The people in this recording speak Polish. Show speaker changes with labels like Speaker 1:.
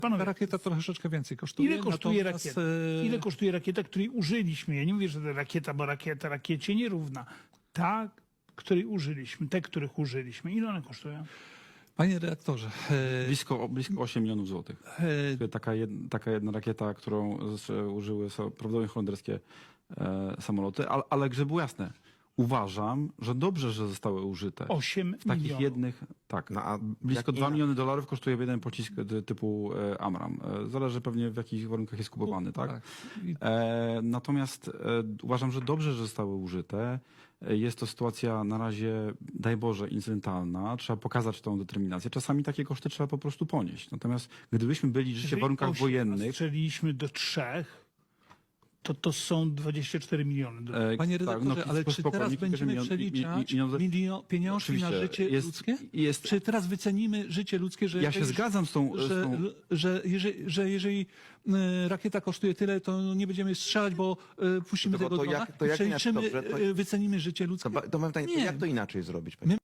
Speaker 1: Panowie,
Speaker 2: Ta rakieta troszeczkę więcej kosztuje.
Speaker 1: ile kosztuje
Speaker 2: natomiast,
Speaker 1: rakieta? Ile kosztuje rakieta, której użyliśmy? Ja nie mówię, że ta rakieta, bo rakieta rakiecie nierówna. Ta, której użyliśmy, te, których użyliśmy. Ile one kosztują?
Speaker 2: Panie redaktorze,
Speaker 3: Blisko 8 milionów złotych. Taka jedna rakieta, którą użyły prawdopodobnie holenderskie samoloty, ale żeby było jasne, uważam, że dobrze, że zostały użyte.
Speaker 1: 8
Speaker 3: W takich
Speaker 1: milionów.
Speaker 3: jednych, tak.
Speaker 4: No, a
Speaker 3: Blisko
Speaker 4: jak
Speaker 3: 2 miliony dolarów kosztuje jeden pocisk typu Amram. Zależy pewnie w jakich warunkach jest kupowany, tak?
Speaker 2: tak. I
Speaker 3: Natomiast uważam, że dobrze, że zostały użyte. Jest to sytuacja na razie, daj Boże, incydentalna. Trzeba pokazać tą determinację. Czasami takie koszty trzeba po prostu ponieść. Natomiast gdybyśmy byli życie w
Speaker 1: Jeżeli
Speaker 3: warunkach
Speaker 1: 8
Speaker 3: wojennych,
Speaker 1: strzeliliśmy do 3, to są 24 miliony dolarów.
Speaker 2: Panie redaktorze, ale czy
Speaker 3: spokojnie,
Speaker 2: teraz
Speaker 3: kilka
Speaker 2: będziemy
Speaker 3: milion-
Speaker 2: przeliczać pieniążki na
Speaker 3: Oczywiście,
Speaker 2: życie
Speaker 3: jest-
Speaker 2: ludzkie?
Speaker 3: jest-
Speaker 2: Czy teraz wycenimy życie ludzkie, że
Speaker 3: ja się zgadzam z tą...
Speaker 2: że jeżeli rakieta kosztuje tyle, to nie będziemy strzelać, bo puścimy
Speaker 4: To
Speaker 2: tego
Speaker 4: to
Speaker 2: drona
Speaker 4: jak- to
Speaker 2: i
Speaker 4: jak inaczej,
Speaker 2: przeliczymy,
Speaker 4: dobrze, to-
Speaker 2: wycenimy życie ludzkie?
Speaker 4: to mam pytanie, to
Speaker 2: Nie.
Speaker 4: jak to inaczej zrobić? Panie?